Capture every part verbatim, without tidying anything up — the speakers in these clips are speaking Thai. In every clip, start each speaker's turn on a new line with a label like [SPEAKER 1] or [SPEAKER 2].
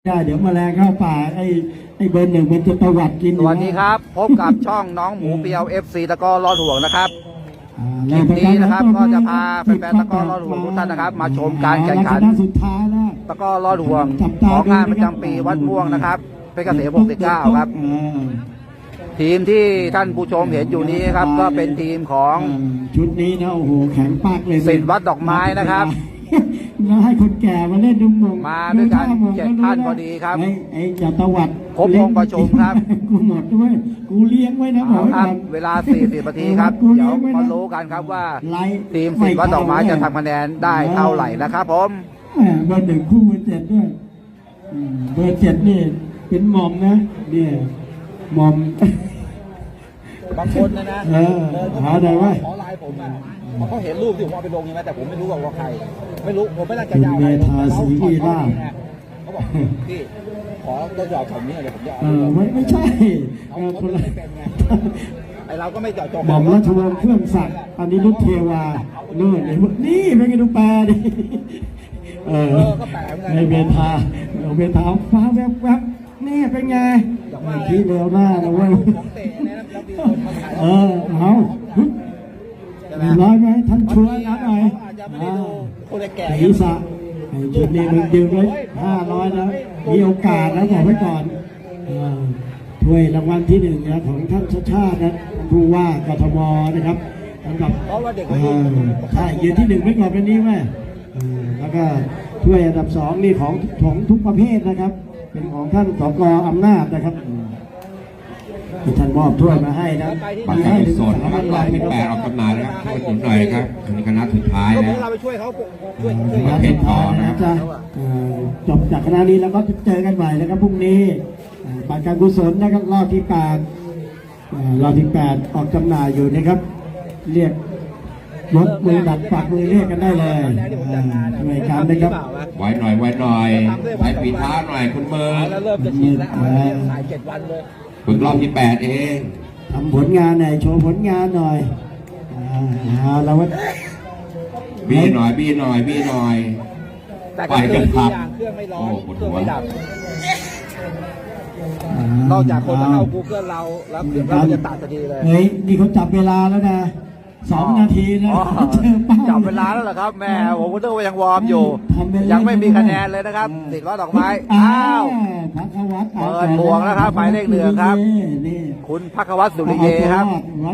[SPEAKER 1] ได้เดี๋ยวแมลงเข้าป่าไอ้ไอ้เบอร์หนึ่งมันจะตวัดกิน
[SPEAKER 2] สวัสดีครับพบกับช่องน้องหมูเปียวเอฟซีตะกร้อรอดห่วงนะครับคลิปนี้นะครับก็จะพาแฟนๆตะกร้อรอดห่วงทุกท่านนะครับมาชมการแข่งขันตะกร้อรอดห่วงของงานประจำปีวัดม่วงนะครับเป็นเกษตรหกสิบเก้าครับทีมที่ท่านผู้ชมเห็นอยู่นี้ครับก็เป็นทีมของ
[SPEAKER 1] ชุดนี้นะโอ้โหแข็งปากเลย
[SPEAKER 2] ศิษย์วัดดอกไม้นะครับ
[SPEAKER 1] แล้วให้คนแก่มาเล่นดุมมง
[SPEAKER 2] มาด้วยกันเจ็ดท่านพอดีครับ
[SPEAKER 1] ไอ้จ่าตวัด
[SPEAKER 2] ครบองค์ประชุมครับ
[SPEAKER 1] กูหมดด้วยกูเลี้ยงไว้นะบอก
[SPEAKER 2] ครับเวลาสี่สิบนาทีครับเดี๋ยวมารู้กันครับว่าทีมศิษย์วัดดอกไม้จะทำคะแนนได้เท่าไหร่นะครับผม
[SPEAKER 1] เบอร์หนึ่งคู่เบอร์เจ็ดด้วยเบอร์เจ็ดนี่เป็นหม่อมนะเนี่ยหม่อม
[SPEAKER 2] บางคนนะนะ
[SPEAKER 1] เออหาได้ไหม
[SPEAKER 2] ขอไลน์ผมอ่ะเขาเห็นรูปที่ผมเอาไปลงใช่ไหมแต่ผมไม่รู้ว่าใครไม่รู้ผมไม่น่าจะยาวอะไร
[SPEAKER 1] เขาเขา
[SPEAKER 2] เขาบอกพี่ขอตัวจอดผมนี่เลยผมจะ
[SPEAKER 1] เออไม่ไม่ใช่คนละ
[SPEAKER 2] ไอเราก็ไม่จอดจง
[SPEAKER 1] หม่อมราชวงศ์เครื่องศักดิ์อันนี้รุ่นเทวาเลื่อนนี่เป็นไงดูแปรดิเออในเมธาเมธาฟ้าแวบๆนี่เป็นไงที่เร็วหน้านะเว้ยเออเอาร้อยไหมท่านช่วยนะหน่อยศีรษะจุดนี้มึงยืมไว้ห้าร้อยแล้วมีโอกาสแล้วบอกไว้ก่อนถ้วยรางวัลที่หนึ่งนะของท่านชาติชาตินะผู้ว่ากทมนะครับสำหรับใช่ยืนที่หนึ่งไม่ก่อนเป็นนี้ไหมแล้วก็ถ้วยอันดับสองนี่ของของทุกประเภทนะครับเป็นของท่านสกอำนาจนะครับที่ท่านมอบถ้วยมาให้นะ
[SPEAKER 3] บัตรการกุศลนะครับรอบที่แปดออกจำหน่ายนะครับช่วยถึงหน่อยครับถึงคณะสุดท้ายแล้ว
[SPEAKER 2] เราไปช่วยเขาช่วย
[SPEAKER 3] ประเภทต่อนะครับ
[SPEAKER 1] จบจากคณะนี้แล้วก็เจอกันใหม่นะครับพรุ่งนี้บัตรการกุศลนะครับรอบที่แปดรอบที่แปดออกจำหน่ายอยู่นะครับเรียกยกมือดัดปากมือเรียกกันได้เลยหน่วยการนะครับ
[SPEAKER 3] ไว้หน่อยไว้หน่อยใส่ปีเท้าหน่อยคุณมือ
[SPEAKER 2] แล้วเริ่มจะชินแล้วสายเจ็ดวันเลย
[SPEAKER 3] ฝึกรอบที่แปดเอง
[SPEAKER 1] ทำผลงานหน่อยโชว์ผลงานหน่อยเอาแล้วว่า
[SPEAKER 3] บีหน่อยบีหน่อยบีหน่อยไปกันครับ
[SPEAKER 2] เครื่องไม่ร้อนเครื่องไม่ดับนอกจากคนจะเข้า Google เราแล้วเดี๋ยวเราจะตัดทันทีเลย
[SPEAKER 1] เฮ้ยนี่เขาจับเวลาแล้วนะสองนาทีนะ
[SPEAKER 2] จับเวลาแล้วเหรอครับแม่ผมก็ต้องยังวอร์มอยู่ยังไม่มีคะแนนเลยนะครับติดล้อดอกไม้อ้าวเปิดบวกแล้วครับหมายเลขหนึ่งครับคุณภักวัฒน์สุริเยครับ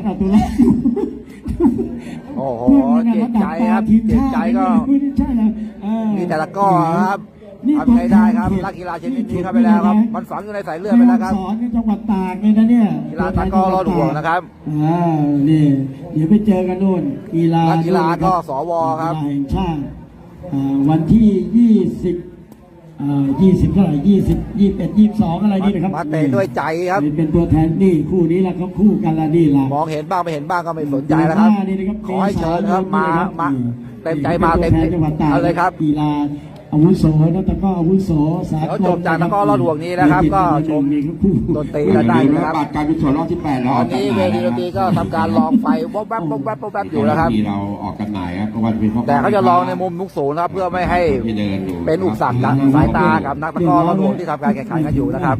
[SPEAKER 2] โอ้โหเจ็บใจครับเจ็บใจก็มีแต่ละก้อครับทำไงได้ครับนักกีฬาชนิดนี้เข้าไปแล้วครับมันฝังอยู่ในสายเลือดไปแล้วครับ
[SPEAKER 1] สอนในจังหวัดตากเลยนะเนี่ย
[SPEAKER 2] กีฬาตะก้อรอดห่วงนะครับ
[SPEAKER 1] อ่านี่เดี๋ยวไปเจอกันนู่นกีฬา
[SPEAKER 2] นักกีฬาก็สวครับ
[SPEAKER 1] แห่งชาติวันที่ยี่สิบยี่สิบเท่าไหร่ยี่สิบยี่สิบเอ็ดยี่สิบสองอะไรนี่นะครับ
[SPEAKER 2] มาเตะด้วยใจครับ
[SPEAKER 1] เป็นตัวแทนนี่คู่นี้แล้วเขาคู่กันละนี่ละ
[SPEAKER 2] มองเห็นบ้างไม่เห็นบ้างก็ไม่สนใจแล้วครับขอให้เชิญครับมามาเต็มใจมาเต็มเอาเลยครับ
[SPEAKER 1] กีฬาอาวุโสนะตะก้ออาวุโส
[SPEAKER 2] สากลจบจากตะก้อรอดห่วงนี้นะครับก็ชมดนตรีได้นะครับ
[SPEAKER 3] บัตรการกุศลรอบที่แปดแล้ว
[SPEAKER 2] ตอนนี้เวทีดนตรีก็ทำการลองไฟวับวับวับวับวับอยู่แล้วครับ
[SPEAKER 3] เราออกกันไหนครับวันเป็น
[SPEAKER 2] แต่เขาจะลองในมุมมุกสูงนะครับเพื่อไม่ให้เป็นอุปสรรคสายตากับนักตะก้อรอดห่วงที่ทำการแข่งขันกันอยู่นะครับ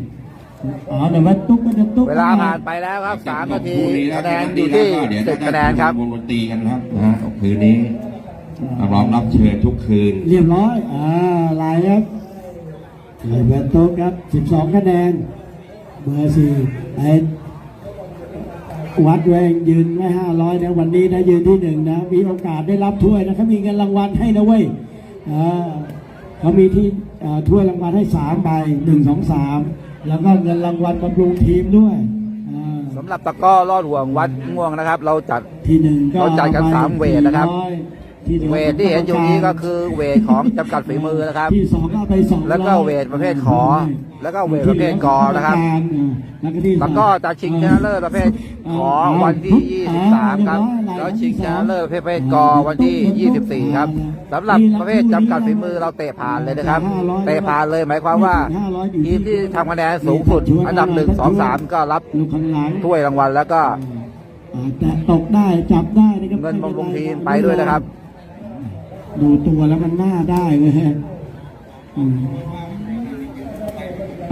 [SPEAKER 2] เวลาผ่านไปแล้วครับสามนาทีคะแนนอยู่ที่สิบคะแนนครับ
[SPEAKER 3] วงดนตรีกันครับนะคืนนี้ร้องรับเชิญทุกคืน
[SPEAKER 1] เรียบร้อยอ่าลายครับลายเบอร์โต๊ะครับสิบสองคะแนนเบอร์สี่ไอ้วัดแวงยืนไว้ห้าร้อยนะวันนี้นะยืนที่หนึ่งนะมีโอกาสได้รับถ้วยนะเขามีเงินรางวัลให้นะเว้ยอ่าเขามีที่ถ้วยรางวัลให้สามใบหนึ่งสองสามแล้วก็เงินรางวัลบำรุงทีมด้วย
[SPEAKER 2] สำหรับตะก้อรอดห่วงวัดม่วงนะครับเราจัด
[SPEAKER 1] ที่หนึ่ง
[SPEAKER 2] เราจัดกันสามเวทนะครับเวทที่เห็นอยู่นี้ก็คือเวทของจำกัดฝีมือนะครับแล้วก็เวทประเภทขอแล้วก็เวทประเภทกอนะครับแล้วก็จะชิงชนะเลิศประเภทขอวันที่ยี่สิบสามครับแล้วชิงชนะเลิศประเภทกอวันที่ยี่สิบสี่ครับสำหรับประเภทจำกัดฝีมือเราเตะผ่านเลยนะครับเตะผ่านเลยหมายความว่าทีมที่ทำคะแนนสูงสุดอันดับหนึ่งสองสามก็รับถ้วยรางวัลแล้วก็
[SPEAKER 1] ตกได้จับได้
[SPEAKER 2] เงินบำรุงทีมไปด้วยนะครับ
[SPEAKER 1] ดูตัวแล้วมันน่าได้เลยฮะ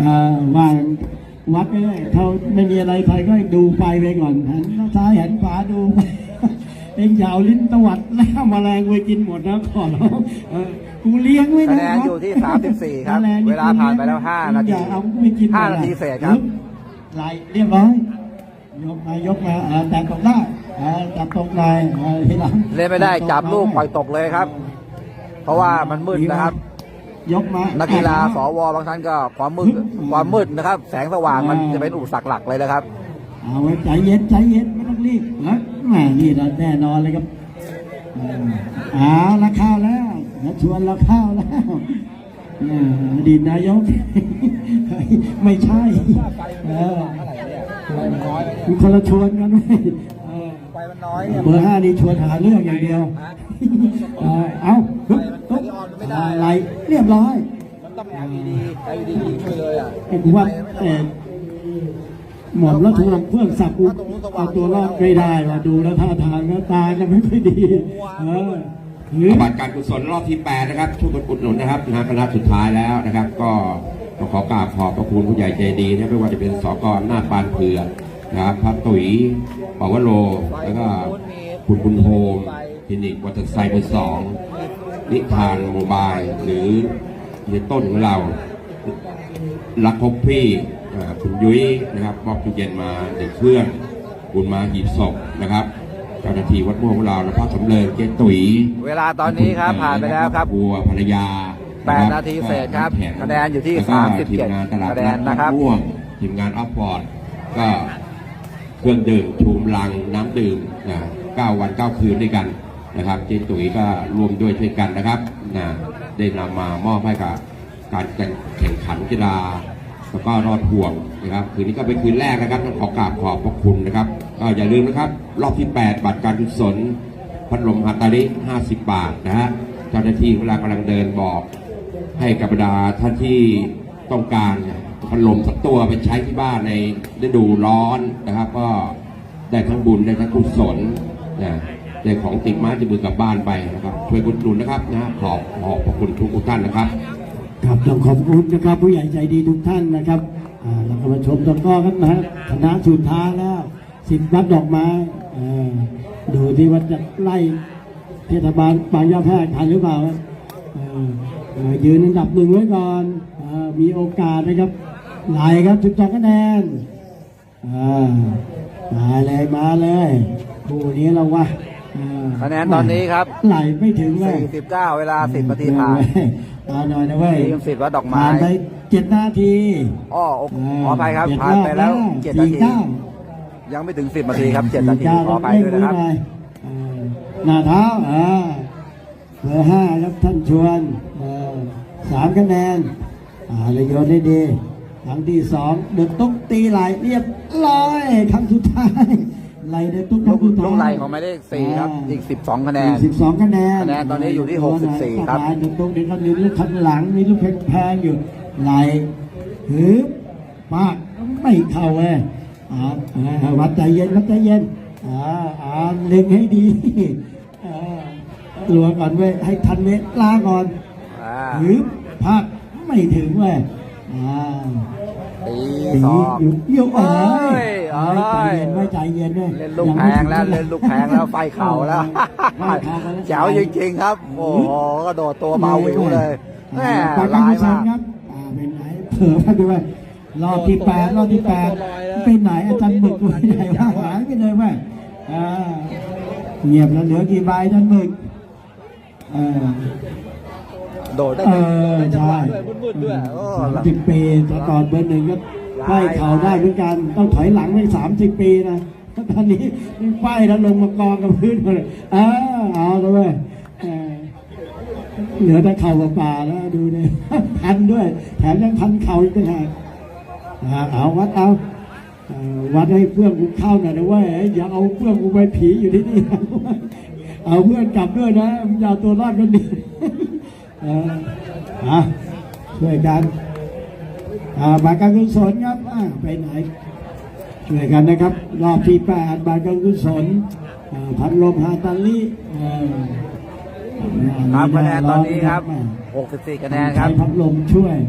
[SPEAKER 1] อ่าว่าวัดไปเลยเขาไม่มีอะไรใครก็ดูไฟไปก่อนหันซ้ายหันขวาดู เองยาวลิ้นตวัดแล้วแมลงไปกินหมดนะขอร้องเออกูเลี้ยงไว้
[SPEAKER 2] คะ
[SPEAKER 1] นะ
[SPEAKER 2] แนนอยู่ที่สามสิบสี่ครับ
[SPEAKER 1] แมงนี่
[SPEAKER 2] เวลาผ่านไปแล้วห้านาที
[SPEAKER 1] อย่เอากูไม่กิน
[SPEAKER 2] ห้านาทีเศษครับ
[SPEAKER 1] ไหลเรียบร้อยยกมายกมาอ่าแต่ตกได้อ่าจับตกได้อ่าทีหลัง
[SPEAKER 2] เล่นไม่ได้จับลูกปล่อยตกเลยครับ เพราะว่ามันมืดนะครับ
[SPEAKER 1] ยกมา
[SPEAKER 2] นั
[SPEAKER 1] นั
[SPEAKER 2] กกีฬาสวบางท่านก็ความมืดความมืดนะครับ แสงสว่างมันจะเป็นอุปสรรคหลักเลยนะครับ
[SPEAKER 1] เอาไว้ใจเย็นใจเย็นไม่ต้องรีบนะแหมนี่เราแน่นอนเลยครับเออเอาละข้าวแล้วนะชวนเราข้าวแล้วเอออดีตนายก ไม่ใช่เออมีคนละชวนกันไหมเออ
[SPEAKER 2] ไฟมันน้อยเนี่ย
[SPEAKER 1] เบอร์ห้านี่ชวนหาเรื่องอย่างเดียวเออเอาฮึบฮึบอะไรเรียบร้อย
[SPEAKER 2] มันต้อง แอล อี ดี แอล อี ดี ช่วยเลยอ่ะ
[SPEAKER 1] ไอ้กูว่าแต่หมอมแล้วถูกลำเครื่องสับกูเอาตัวรอดไม่ได้ว่าดูแล้วท่าทางแล้วตาจะไม่ค่อยดีเออหรือ
[SPEAKER 3] บัตรการกุศลรอบที่แปดนะครับช่วยกันอุดหนุนนะครับงานคณะสุดท้ายแล้วนะครับ ก็ขอกราบขอบพระคุณผู้ใหญ่ใจดีนะไม่ว่าจะเป็นสกหน้าปานเผือกนะครับพระตุ๋ยปวโรแล้วก็คุณบุญโฮมคลินิกวัตไซเบอร์สองนิทานโมบายหรือเฮียต้นของเรารักพบพี่อ่าคุณยุ้ยนะครับมอบตู้เย็นมาหนึ่งเครื่องคุณมาหีบศพนะครับเจ้าหน้าที่วัดม่วงของเราและพระสำเริงเจ๊ตุ๋ย
[SPEAKER 2] เวลาตอนนี้ครับผ่านไปแล้วครับ
[SPEAKER 3] บัวภรรยา
[SPEAKER 2] แปดนาทีเศษครับคะแนนอยู่ที่
[SPEAKER 3] แล้วก็
[SPEAKER 2] สามสิบเจ็ด
[SPEAKER 3] ทีมงานตลาด
[SPEAKER 2] คะแนนนะครับ
[SPEAKER 3] ม่วงทีมงานออฟฟอร์ดก็เครื่องดื่มชูมลังน้ำดื่มนะเก้าวันเก้าคืนด้วยกันนะครับเจ๊ตุ๋ยก็รวมด้วยช่วยกันนะครับนะได้นำมามอบให้กับการแข่งขันกีฬาแล้วก็รอดห่วงนะครับคืนนี้ก็เป็นคืนแรกนะครับต้องขอกราบขอบพระคุณนะครับก็อย่าลืมนะครับรอบที่แปดบัตรการกุศลพัดลมฮาตาริห้าสิบบาทนะฮะเจ้าหน้าที่เวลากำลังเดินบอกให้กับบรรดาท่านที่ต้องการพัดลมสักตัวไปใช้ที่บ้านในฤดูร้อนนะครับ ก็ได้ทั้งบุญได้ทั้งกุศลนะได้ของติดไม้ติดมือกลับบ้านไปนะครับช่วยอุดหนุนนะครับนะขอบขอบพระคุณทุกท่านนะครับ
[SPEAKER 1] ครับต้องขอบคุณนะครับผู้ใหญ่ใจดีทุกท่านนะครับอ่าเราก็มาชมตะกร้อกันนะคณะสุดท้ายแล้วสิบวัดดอกไม้เออดูที่ว่าจะไล่เทศบาลบางยาแพรกทันหรือเปล่าเออเออยืนอันดับหนึ่งไว้ก่อนเออมีโอกาสนะครับไหลครับสิบสองคะแนนอ่ามาเลยมาเลยคู่นี้เราว่าเออ
[SPEAKER 2] คะแนนตอนนี้ครับ
[SPEAKER 1] ไหลไม่ถึงเลย
[SPEAKER 2] สี่สิบเก้าเวลาสิบนาทีผ่าน
[SPEAKER 1] เอาหน่อยนะเว้ย
[SPEAKER 2] ทีมสิบวัดดอกไม้
[SPEAKER 1] ผ่านไปเจ็ดนาที
[SPEAKER 2] อ้อขออภัยครับผ่านไปแล้วเจ็ดนาที ยังไม่ถึงสิบนาทีครับเจ็ดนาทีขออภัยด้วยนะครับ
[SPEAKER 1] หน้าเท้าอ่าเบอร์ห้าครับท่านชวนเออสามคะแนนอ่าเลยโยนได้ดีครั้งที่สองเดินตุ๊กตีไหลเรียบร้อยครั้งสุดท้ายไหลเดินตุ๊กค
[SPEAKER 2] ลู
[SPEAKER 1] รั้
[SPEAKER 2] ก
[SPEAKER 1] งสุดท้าย
[SPEAKER 2] ลูกไล่ของหมายเลขสี่ครับอีกสิบสองคะแนน
[SPEAKER 1] สิบสองคะแนน
[SPEAKER 2] คะแนนตอนนี้อยู่ที่หกสิบสี่ครับ
[SPEAKER 1] เดินตุ๊กเดินมีลูกข้างหลังมีลูกแพงๆอยู่ไหลฮึบมากไม่เข้าเว้ยอ่าอ่าวัดใจเย็นวัดใจเย็นอ่าอ่าเล็งให้ดีอ่าลัวก่อนเว้ยให้ทันเวลาก่อน
[SPEAKER 2] อ่า
[SPEAKER 1] หรือพักไม่ถึงเว้ยอ่า
[SPEAKER 2] ตี
[SPEAKER 1] ตี
[SPEAKER 2] สอง
[SPEAKER 1] หยุดโยกเอ้ย
[SPEAKER 2] เอ้ย
[SPEAKER 1] ใจเย็นไว้ใจเย็นด้วย
[SPEAKER 2] เล่นลูกแพงแล้วเล่นลูกแพงแล้วไฟเข่าแล้ว
[SPEAKER 1] ไฟเข่าไปแล้ว
[SPEAKER 2] เจ๋วจริงๆครับ โอ้โหกระโดดตัวเบาวิวเลยแม่
[SPEAKER 1] ปากกา
[SPEAKER 2] ร้าย
[SPEAKER 1] กุศล
[SPEAKER 2] มาก
[SPEAKER 1] ครับอ่าเป็นไหนเผื่อมาด้วยรอบที่แปดรอบที่แปดเป็นไหนอาจารย์หมึกไปไหนว่าหายไปเลยเว้ยอ่าเงียบแล้วเหลือกี่ใบอาจารย์หมึกเออ
[SPEAKER 2] โดดได้
[SPEAKER 1] เออ
[SPEAKER 2] จังห
[SPEAKER 1] ใช่
[SPEAKER 2] วะด้วยมืดๆด้วยโอ้
[SPEAKER 1] สามสิบปีแต่ก่อนเบอร์หนึ่งก็ไล่เข่าได้เหมือนกัน ต้องถอยหลังไปสามสิบปีนะตอนนี้ไฟแล้วลงมากองกับพื้นหมดเลยเออเอาเลยเว้ยเออเหลือแต่เข่ากับป่าแล้วดูเนี่ยพันด้วย แถมยังพันเข่าอีกต่างหากอ่าเอาวัดเอาเอ่อวัดให้เพื่อนกูเข้าหน่อยนะเว้ยอย่าเอาเพื่อนกูไปผีอยู่ที่นี่นะเอาเพื่อนกลับด้วยนะมึงอย่าเอาตัวรอดกันดิเอออ่ะช่วยกันอ่าบาทการกุศลครับอ่าไปไหนช่วยกันนะครับ รอบที่แปดบาทการกุศลอ่าพัดลมฮาตาลิเออ
[SPEAKER 2] ครับคะแนนตอนนี้ครับหกสิบสี่คะแนนครับ
[SPEAKER 1] ใช้พัดลมช่วย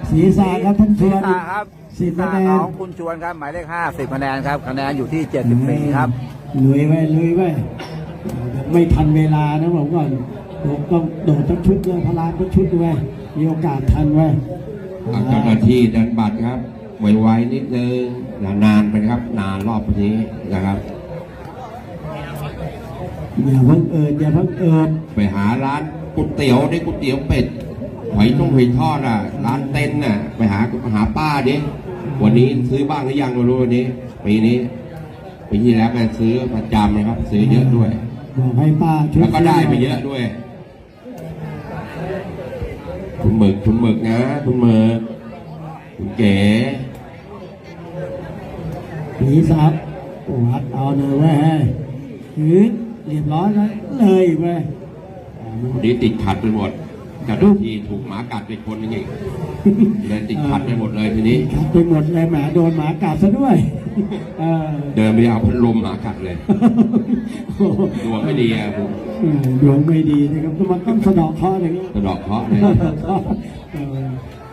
[SPEAKER 1] ศีรษะครับท่านช
[SPEAKER 2] ศี
[SPEAKER 1] ว
[SPEAKER 2] ร
[SPEAKER 1] น
[SPEAKER 2] ษะครับ
[SPEAKER 1] สิบ
[SPEAKER 2] ศีร
[SPEAKER 1] คะ
[SPEAKER 2] ษะ
[SPEAKER 1] แน
[SPEAKER 2] ข
[SPEAKER 1] น
[SPEAKER 2] องคุณชวนครับหมายเลขห้าสิบคะแนนครับคะแนนอยู่ที่เจ็ดสิบสี่ครับ
[SPEAKER 1] ลุยไว้ลุยไว้ไม่ทันเวลานะผมก่อนผมต้องโดดทั้งชุดเลยพลานทั้งชุดด้วยมีโอกาสทันไว้
[SPEAKER 3] อ่าเจ้าหน้าที่ดันบัตรครับไวๆนิดนึงนานๆไปครับ นานรอบนี้นะครับ
[SPEAKER 1] อย่าเพิ่งเอิดอย่าเพิ่งเอิด
[SPEAKER 3] ไปหาร้านก๋วยเตี๋ยวได้ก๋วยเตี๋ยวเป็ดหอยต้มหอยทอดอ่ะ ร้านเต้นน่ะ ไปหาหาป้าดิวันนี้ซื้อบ้างหรือยังไม่รู้วันนี้ปีนี้ปีที่แล้วแกซื้อประจำนะครับ ซื้อเยอะด้วย
[SPEAKER 1] บอกให้ป้าช่วย
[SPEAKER 3] แล้วก็ได้ไปเยอะด้วย คุณหมึกคุณหมึกนะคุณหมึกคุณเก๋
[SPEAKER 1] ผีซับวัดเอาเลยเว้ยหือเรียบร้อยแล้วเลยเว้ย
[SPEAKER 3] วันนี้ติดขัดไปหมดเจ้าหน้าที่ถูกหมากัดไปคนนึงอีกเลยติดขัดไปหมดเลยทีนี้
[SPEAKER 1] ขัดไปหมดเลยแหมโดนหมากัดซะด้วยเออ
[SPEAKER 3] เดินไปเอาพัดลมหมากัดเลยดวงไม่ดีอะผม
[SPEAKER 1] เออดวงไม่ดีนะครับมันต้องสะเดอกเคราะห์อย่างนี้
[SPEAKER 3] กระดอกเคราะห์เลย
[SPEAKER 1] เออ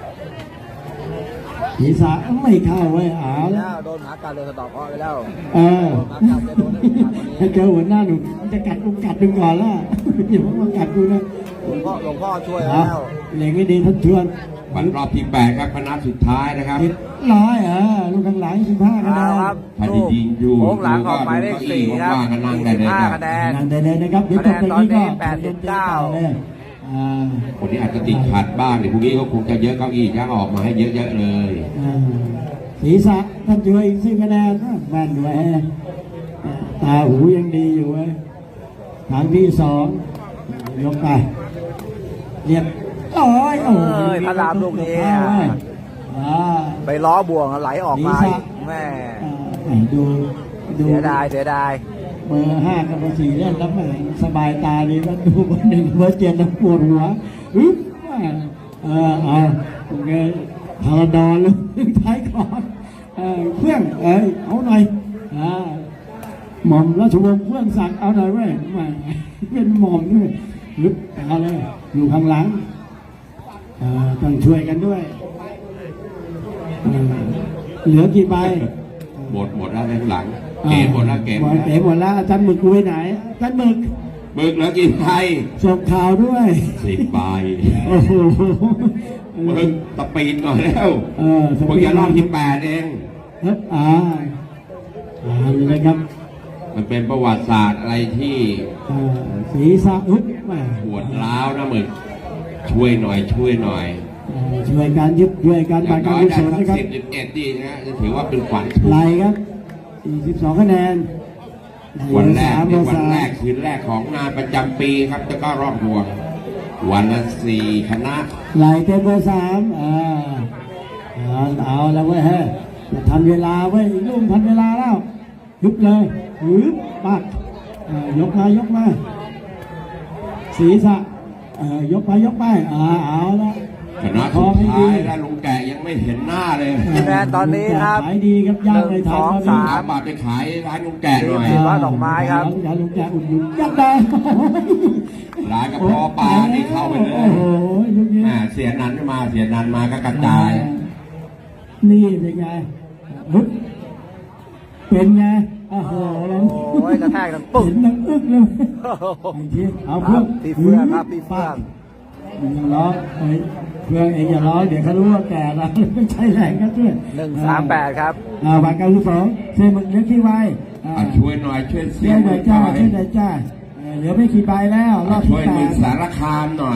[SPEAKER 1] ผีสาไม่เข้าไว้ยเอา
[SPEAKER 2] แล้
[SPEAKER 1] แล้ว
[SPEAKER 2] วโดนหมากัดเลยสะเดอกเคราะห์ไปแล้ว
[SPEAKER 1] เออ
[SPEAKER 2] โดนหมากัดจะโดนได้หมากัดวันนี้
[SPEAKER 1] ถ้าเจอหัวหน้าหนูจะกัดกูกัดดึงก่อนละอย่าเพิ่งมากัดกูนะ
[SPEAKER 2] หลวงพ่อหลวงพ่อช่วย
[SPEAKER 1] เอา
[SPEAKER 2] แล้ว
[SPEAKER 1] เหล็งให้ดีท่านชวน
[SPEAKER 3] วันรอบที่แปดครับคณะสุดท้ายนะครับ
[SPEAKER 1] เจ็ดร้อยเออลูกข้างหลังสิบห้าคะแน
[SPEAKER 2] เอา
[SPEAKER 1] น
[SPEAKER 2] ครับ
[SPEAKER 3] ถ้าจะยิงอยู่
[SPEAKER 2] โค้งหลังออกหมายเลขสี่ครับ
[SPEAKER 3] ว่างๆก็นั่งได้
[SPEAKER 2] สี่สิ
[SPEAKER 3] เลย
[SPEAKER 2] บห้า
[SPEAKER 3] ครับ
[SPEAKER 2] คะแนน
[SPEAKER 1] นั่งได้เลยนะครับเดี๋ยวจบตรงนี้ก็
[SPEAKER 2] คะแนนตอนนี้แปดสิบเก้า
[SPEAKER 1] เลยอ่า
[SPEAKER 3] วันนี้อาจจะติดขัดบ้างเดี๋ยวพรุ่งนี้ก็คงจะเยอะเก้าอี้ย่างออกมาให้เยอะๆเลย
[SPEAKER 1] อ่าศีรษะท่านช่วยอีกสิบคะแนนนะแม่นด้วยฮะตาหูยังดีอยู่เว้ยครั้งที่สองยกไปเรียบร้อยโอ้
[SPEAKER 2] เอ้ยพระรามลูกนี้
[SPEAKER 1] เข้าเว้ยอ่า
[SPEAKER 2] ไปล้อบ่วงไหลออกมาอีกแม่
[SPEAKER 1] อ่าดูดู
[SPEAKER 2] เสียดายเสียดาย
[SPEAKER 1] เบอร์ห้ากับเบอร์สี่เล่นแล้วแหมสบายตาดีแล้วดูเบอร์หนึ่งเบอร์เจ็ดแล้วปวดหัวอึ๊บเออเอาโอเคพาราดอนเลยท้ายก่อนเออเครื่องเอ้ยเอาหน่อยอ่าหม่อมราชวงศ์เครื่องศักดิ์เอาหน่อยเว้ยแหมเป็นหม่อมด้วยอึ๊บเอาเลยอยู่ข้างหลังเออต้องช่วยกันด้วยเออเหลือกี่ใบ
[SPEAKER 3] หมดหมดแล้วข้างหลังเก๋หมดแล้วเก๋หมด
[SPEAKER 1] เก๋
[SPEAKER 3] แล้ว
[SPEAKER 1] หมดแล้วอาจารย์หมึกกูไปไหนอาจารย์หมึก
[SPEAKER 3] หมึกแล้วกินไทย
[SPEAKER 1] ส่งข่าวด้วย
[SPEAKER 3] สิบใบ
[SPEAKER 1] โอ้โห
[SPEAKER 3] หมึกตะปีนก่อนแล้ว
[SPEAKER 1] เออส
[SPEAKER 3] เพิ่ง
[SPEAKER 1] ปีด
[SPEAKER 3] จะรอบที่แปดเอง
[SPEAKER 1] ครับอ่าอ่าเลยครับ
[SPEAKER 3] มันเป็นประวัติศาสตร์อะไรที่
[SPEAKER 1] อ่าศีรษะอุ๊บแหม่
[SPEAKER 3] ปวดร้าวนะหมึกช่วยหน่อยช่วยหน่อย
[SPEAKER 1] อ่าช่วยการยึดช่วยการ
[SPEAKER 3] อย่า
[SPEAKER 1] บาง นการ
[SPEAKER 3] น้อย
[SPEAKER 1] กุ
[SPEAKER 3] ได้
[SPEAKER 1] ศล
[SPEAKER 3] สัก
[SPEAKER 1] นะครับ
[SPEAKER 3] สิบสิบเอ็ดดีนะจะถือว่าเป็นขวัญถุง
[SPEAKER 1] ไล่ครับสี่สิบสองคะแนน
[SPEAKER 3] วันแรก
[SPEAKER 1] สาม
[SPEAKER 3] เป็นวัน
[SPEAKER 1] สาม
[SPEAKER 3] แรกคืนแรกของงานประจำปีครับจะก็รอบหัววันละสี่คณะ
[SPEAKER 1] ไล่เต็มเบอร์สามอ่าเอาเอาแล้วเว้ยเฮ้ยจะทันเวลาเว้ยลุ่มทันเวลาแล้วยุบเลยฮึบปักอ่ายกมายกมาศีรษะเอ่อยกไปยกไปอ่าเอาละ
[SPEAKER 3] คณะสุดท้ายแล้วลุงแกะยังไม่เห็นหน้าเลย
[SPEAKER 2] คะแนนตอนนี้ครับ
[SPEAKER 1] ขายดีครับย่างในไทย
[SPEAKER 2] หนึ่งสอง
[SPEAKER 1] ตอนนี้
[SPEAKER 2] สาม
[SPEAKER 3] สามบาทไปขายร้านลุงแกะหน่อย
[SPEAKER 2] สี่ร้อยดอกไม้ครับ
[SPEAKER 1] อย่าลุงแกอุดหนุนยัดได้
[SPEAKER 3] ร้านกระเพาะปลานี่เข้าไปเล
[SPEAKER 1] โอ้
[SPEAKER 3] ย
[SPEAKER 1] โหลูกนี้
[SPEAKER 3] แม่เสียนันมาเสียนันมาก็กระจาย
[SPEAKER 1] นี่เป็นไงฮึบเป็นไงโอ้โหแล้ว
[SPEAKER 2] โอ้ยกระแทกดังปึ๊ก
[SPEAKER 1] เห็นนังอึกเลยไอ้ที่เอาเพื่อน
[SPEAKER 2] พี่เฟื่องครับพี่เฟื่อง
[SPEAKER 1] อย่าล้อเอ้ยเพื่อนเองอย่าล้อเดี๋ยวเขารู้ว่าแก่แล้วไม่ใช่แรงก็ด้วย
[SPEAKER 2] หนึ่งสามแปดครับ
[SPEAKER 1] อ่าบาทเก้าสิบสองเซมึกเล็กที่ไวอ่า
[SPEAKER 3] อ่ะช่วยหน่อยช่วยเสี
[SPEAKER 1] ช่
[SPEAKER 3] ย
[SPEAKER 1] วยหน่อยจ้า
[SPEAKER 3] หน่อย
[SPEAKER 1] ช่วยหน่อยจ้าเออเหลือไม่กี่ใบแล้วร
[SPEAKER 3] อ่ะ
[SPEAKER 1] อบ
[SPEAKER 3] ช่
[SPEAKER 1] ที่
[SPEAKER 3] วย
[SPEAKER 1] แป
[SPEAKER 3] มึง
[SPEAKER 1] ด
[SPEAKER 3] สารคามหน่อย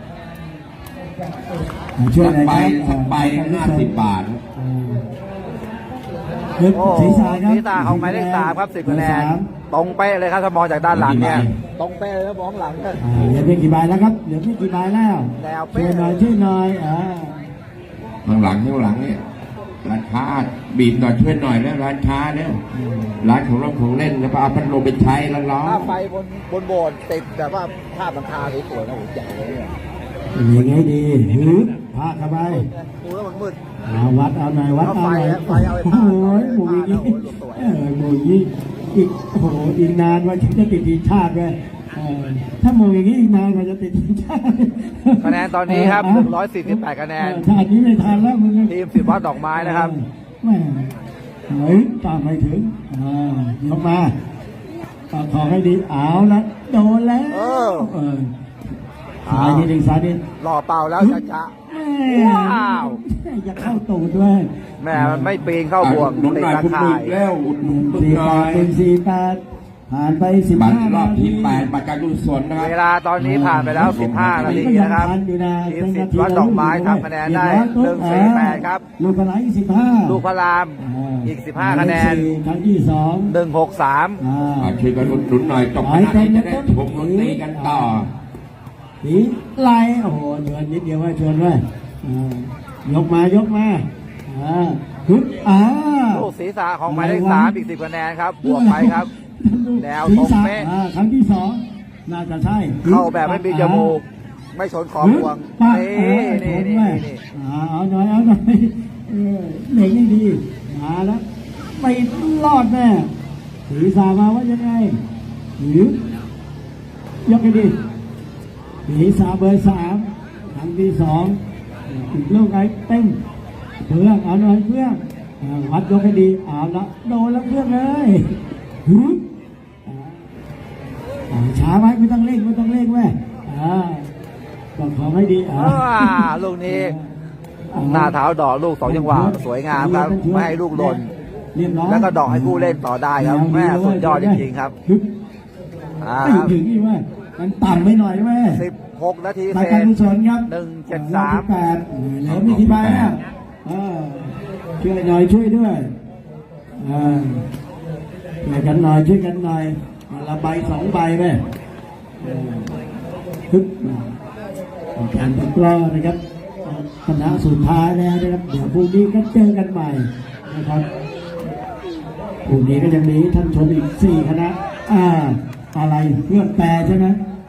[SPEAKER 1] อ่าช่วย
[SPEAKER 3] สั
[SPEAKER 1] ห
[SPEAKER 3] ก
[SPEAKER 1] น่อย
[SPEAKER 3] ใบ
[SPEAKER 1] ครับ
[SPEAKER 3] สักใบห้าสิบบาท
[SPEAKER 1] อ่าเฮ้ย
[SPEAKER 2] โอ้
[SPEAKER 1] ศีรษะครับ
[SPEAKER 2] ศีรษะของหมายเลขสามครับสิบคะแนน
[SPEAKER 1] สาม
[SPEAKER 2] ตรงเป๊ะเลยครับถ้ามองจากด้านหลังเนี่ย ตรงเป๊ะเลยครับมองหลังเนี่ย
[SPEAKER 1] อ่าเหลือไม่กี่ใบแล้วครับเหลือไม่กี่ใบแล้ว
[SPEAKER 2] แนว
[SPEAKER 1] ช่
[SPEAKER 2] เป๊ะ
[SPEAKER 1] วยหน่อยช่วยหน่อยอ่า
[SPEAKER 3] ข้างหลังข้างหลังเนี่ยร้านค้าบีบหน่อยช่วยหน่อยแล้วร้านค้าเนี่ยร้านของเราของเล่นแล้วก็เอาพัดลมไปใช้แล้วร้อ
[SPEAKER 2] ถ้าน ไฟบนบนโบสถ์ติดแบบว่าภาพหลังคาสวยๆนะโอ้โหใหญ่เลยเนี่ย
[SPEAKER 1] ยังไงดีหือพาเข้าไป
[SPEAKER 2] ดูแล้วมันมืด
[SPEAKER 1] เอาวัดเอาหน่อยวัด
[SPEAKER 2] เอา
[SPEAKER 1] เอา
[SPEAKER 2] ไฟ
[SPEAKER 1] หน่อย
[SPEAKER 2] เอาไฟเอาไอ้
[SPEAKER 1] โอ้
[SPEAKER 2] ผ้า
[SPEAKER 1] โหหมูอยางนี้
[SPEAKER 2] เอาไอ้ผ้า
[SPEAKER 1] เออหมูอยางนี้อีกโอ้โหอีกนานว่าจะติดทีมชาติเลยอ่าอถ้าโมงอย่างนี้อีกนานกว่าจะติดทีมชาติ
[SPEAKER 2] คะแนนตอนนี้ครับหนึ่งร้อยสี่สิบแปดคะแนน
[SPEAKER 1] ถ้าอันนี้ไม่ทันแล้วมึง
[SPEAKER 2] ทีมสิบวัดดอกไม้นะครับ
[SPEAKER 1] แม่เฮ้ยตามไม่ถึงอ่ายกมาต่อขอให้ดีเอาละโดนแล้ว
[SPEAKER 2] เออ
[SPEAKER 1] เออสายนิดหนึ่งสายนิด
[SPEAKER 2] รอเป่าแล้วจะจะ
[SPEAKER 1] แม่
[SPEAKER 2] ว้าว
[SPEAKER 1] อย่าเข้าตูดด้วย
[SPEAKER 2] แม่มันไม่ปีนเข้าบ่วง
[SPEAKER 3] หนุน
[SPEAKER 2] ติด
[SPEAKER 3] หน่อย
[SPEAKER 2] ตะ
[SPEAKER 3] คุณ
[SPEAKER 2] ข่า
[SPEAKER 3] บึ
[SPEAKER 2] ย
[SPEAKER 3] กแล้วอุดหนุนบึก
[SPEAKER 1] สี่
[SPEAKER 3] ห
[SPEAKER 1] แป
[SPEAKER 3] น่อ
[SPEAKER 1] ด
[SPEAKER 3] ย
[SPEAKER 1] เป็นสี่แปดผ่านไปสิบ
[SPEAKER 3] บัตร
[SPEAKER 1] ห้าร
[SPEAKER 3] อบที่
[SPEAKER 1] นาที
[SPEAKER 3] แปดบัตรการกุศลนะครับ
[SPEAKER 2] เวลาตอนนี้ผ่านไปแล้วสิบห้านาทีนะครับ ทีมสิบวัดดอกไม้ทำคะแนนได้หนึ่งสี่แปดครับ
[SPEAKER 1] ลูกพลายสิบห้า
[SPEAKER 2] ลูกพระรามอีกสิบห้าคะแนน
[SPEAKER 1] ครั้งที่สอง
[SPEAKER 2] หนึ่งหกสาม
[SPEAKER 1] อ่า
[SPEAKER 3] อ่าช่วยกันอุดหนุนหน่อยจบคณะนี้จะได้ชมดนตรีกันต่อ
[SPEAKER 1] สีไล่โอ้โหเดือนนิดเดียวว่าชวนไว้อ่ายกมายกมาอ่าฮึบอ่า
[SPEAKER 2] ลูกศีรษะของหมายเลขสามอีกสิบคะแนนครับ บวกไปครับ แนวตรงเป๊ะ
[SPEAKER 1] อ่าครั้งที่สองน่าจะใช่
[SPEAKER 2] เข้าแบบไม่มีจมูก ไม่ชนขอบวง
[SPEAKER 1] ปัก
[SPEAKER 2] นี่
[SPEAKER 1] เออ
[SPEAKER 2] นี่
[SPEAKER 1] ช
[SPEAKER 2] นี่
[SPEAKER 1] แม่
[SPEAKER 2] นี่
[SPEAKER 1] อ่าเอาหน่อยเอาหน่อยเออเหล็กนี่ดีมาแล้วไม่รอดแน่ศีรษะมาว่ายังไงหรือยกให้ดีศีรษะเบอร์สามครั้งที่สองอีกลูกไอ้เต็มเพื่อนเอาหน่อยเพื่อนอ่าวัดยกให้ดีเอาละโดนแล้วเพื่อนเลยฮึบอ่าช้าไว้ไม่ต้องเร่งไม่ต้องเร่งแม่อ่าต้องขอให้ดีอ่า
[SPEAKER 2] อ่าลูกนี้ หน้าเท้าดอกลูกสองจังหวะสวยงามครับ ไม่ให้ลูกหล่น
[SPEAKER 1] เรียบร้อย
[SPEAKER 2] แล้วก็ดอกให้ผู้เล่นต่อได้ครับ แม่สุดยอดจริงๆครับ
[SPEAKER 1] ฮึบ
[SPEAKER 2] อ่า
[SPEAKER 1] ไม่ถึงนี่แม่มันต่ำไปหน่อยแม่
[SPEAKER 2] สิบหกนาที
[SPEAKER 1] ราย
[SPEAKER 2] เศ
[SPEAKER 1] การ
[SPEAKER 2] ษ
[SPEAKER 1] กุศลครับ
[SPEAKER 2] หนึ่งเจ็ดสาม
[SPEAKER 1] แปดเหลือไม่กี่ใบแล้วอ่าช่วยหน่อยช่วยด้วยอ่าช่วยกันหน่อยช่วยกันหน่อยอ่าละใบสองใบแม่อ่าฮึบการตะกร้อนะครับคณะสุดท้ายแล้วนะครับเดี๋ยวพรุ่งนี้ก็เจอกันใหม่นะครับพรุ่งนี้ก็ยังมีท่านชมอีกสี่คณะอ่าอะไรเพื่อนแปรใช่ไหม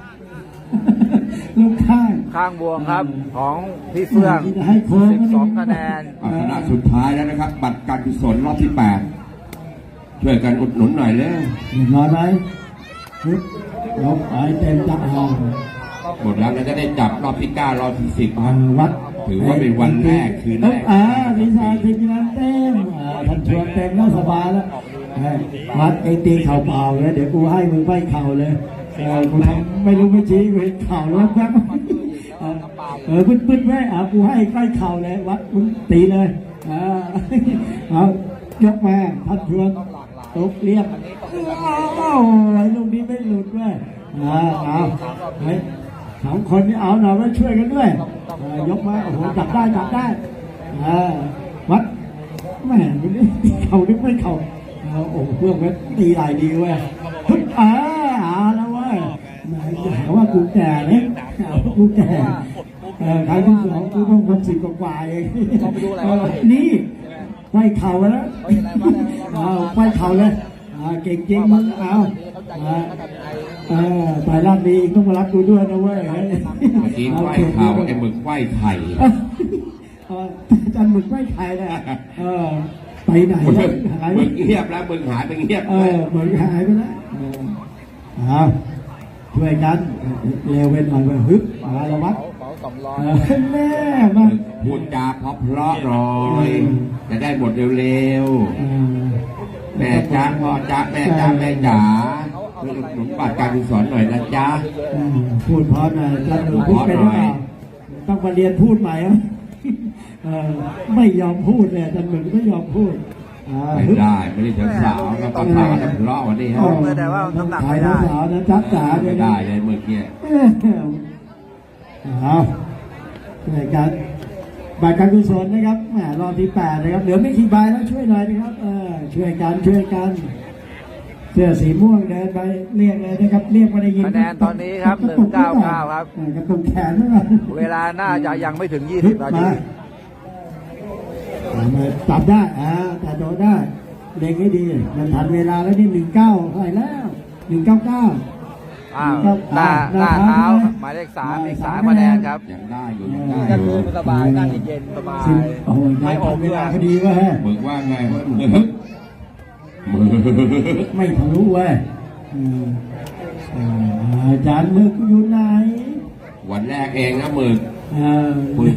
[SPEAKER 1] ลูกข้าง
[SPEAKER 2] ข้างบวงครับของพี่เฟื่อง
[SPEAKER 1] ให้โค้ง
[SPEAKER 2] สิบสองคะแนน
[SPEAKER 3] อ่าคณะสุดท้ายแล้วนะครับ บัตรการกุศลรอบที่แปดช่วยกันอุดหนุนหน่อยแล้ว
[SPEAKER 1] เรียบร้อยไหมปึ๊บลบไปเต็มจับเอา
[SPEAKER 3] หมดแล้วเราจะได้จับรอบที่เก้ารอบที่สิบครับ
[SPEAKER 1] วัด
[SPEAKER 3] ถือว่าเป็นวันแรกคืนแรก
[SPEAKER 1] อ่าดีไซน์ทีมงานเต็มอ่าท่านชวนเต็มแล้วสบายแล้วเฮ้ยวัดเองตีเข่าเปล่าเลยเดี๋ยวกูให้มึงไปเข่าเลยเออกูทำไม่รู้ไม่ชี้กูเห็นเข่าแล้วแป๊บเออเออปึ๊ดปึ๊ดแม่อ่ะกูให้ใกล้เข่าเลยวัดมึงตีเลยอ่าเอายกมาท่านชวนตกเรียบอ้าวไอ้ลูกนี้ไม่หลุดด้วยอ่าเอาเฮ้ยสองคนนี้เอาหน่อยมาช่วยกันด้วยอ่ายกมาโอ้โหจับได้จับได้อ่าวัดแม่มึงนี่ตีเข่านึกไม่เข่าเอาโอ้โหเพื่อนมันตีหลายดีเว้ยฮึบอ่าเอาแล้วเว้ยแหมอย่าหาว่ากูแก่นะหาว่ากูแก่เออครั้งที่สองกูต้องคนสิบกว่าๆเองเออนี่ไขว้เข่าแล้วเอาไขว้เข่าเลยอ่าเก่งจริงมึงเอาอ่าเออตายรอบนี้ต้องมารับกูด้วยนะเว้ย
[SPEAKER 3] เมื่อกี้ไหว้เข่าไอ้หมึกไหว้ไข่
[SPEAKER 1] เอออาจารย์หมึกไม่ใครเลยอะเออไปไหน
[SPEAKER 3] หมึก
[SPEAKER 1] แล้วหาย
[SPEAKER 3] หมึกเงียบแล้วหมึกหายไปเงียบ
[SPEAKER 1] เออหมึกหายไปแล้วเออเอาช่วยกันเร็วไปหน่อยไปฮึบมาละวัดเออแม่มา
[SPEAKER 3] พูดจาเพราะเพราะๆหน่อย จะได้หมดเร็ว
[SPEAKER 1] เออ
[SPEAKER 3] ๆ แม่จ้าพ่อจ้าแม่จ้าแม่จ๋าช่วยอุดหนุนบัตรการกุศลหน่อยนะจ๊ะ
[SPEAKER 1] เออพูดเพราะหน่อยอาจารย์หมึกพูดไปหรือเปล่าต้องมาเรียนพูดใหม่อ่ะเออไม่ยอมพูดเลยอาจารย์หมึกไม่ยอมพูดอ่า
[SPEAKER 3] ไม่
[SPEAKER 1] ฮึบ
[SPEAKER 3] ได้ไม่ได้เจอสาวก็ต้องพากันทะเลาะวันนี้ฮะ
[SPEAKER 2] เมื่อแต่ว่าน้ำหนักไม่ได้
[SPEAKER 1] สาวนะจับจ๋า
[SPEAKER 3] ไม่ได้เลยเมื่อกี้
[SPEAKER 1] เอารายการบัตรการกุศลนะครับแหมรอบที่แปดนะครับเหลือไม่กี่ใบแล้วช่วยหน่อยนะครับเออช่วยกันช่วยกันเสื้อสีม่วงเดินไปเรียกเลยนะครับเรียกมาได้ยิน
[SPEAKER 2] คะแนนตอนนี้ครับหนึ่งเก้าเก้าครับ
[SPEAKER 1] เออกระตุกแขนนะครับ
[SPEAKER 2] เวลาน่าจะยังไม่ถึงยี่สิบนาที
[SPEAKER 1] มามาจับได้อ่าแต่โดนได้เด็กให้ดีมันทันเวลาแล้วนี่หนึ่งเก้าเท่าไหร่แล้วหนึ่งเก้าเก้า
[SPEAKER 2] อ้าวหน้าหน้าเท้าหมายเลขสามอีกสามคะแนนครับ
[SPEAKER 3] ยังได้อยู่ยังได้อ
[SPEAKER 2] ก็
[SPEAKER 3] ยู่
[SPEAKER 2] คือสบายนั่งเย็นสบาย
[SPEAKER 1] โอ้ย
[SPEAKER 2] ไม่ออก
[SPEAKER 1] เว
[SPEAKER 2] เว
[SPEAKER 1] ลา
[SPEAKER 2] ลา
[SPEAKER 1] พอดีเว้ย
[SPEAKER 3] มึงว่าไงวะมึงมึง
[SPEAKER 1] ไม่ทะลุเว้ยอืมอ่าอาจารย์มึกอยู่ไหน
[SPEAKER 3] วันแรกเองนะหมื่น
[SPEAKER 1] เออ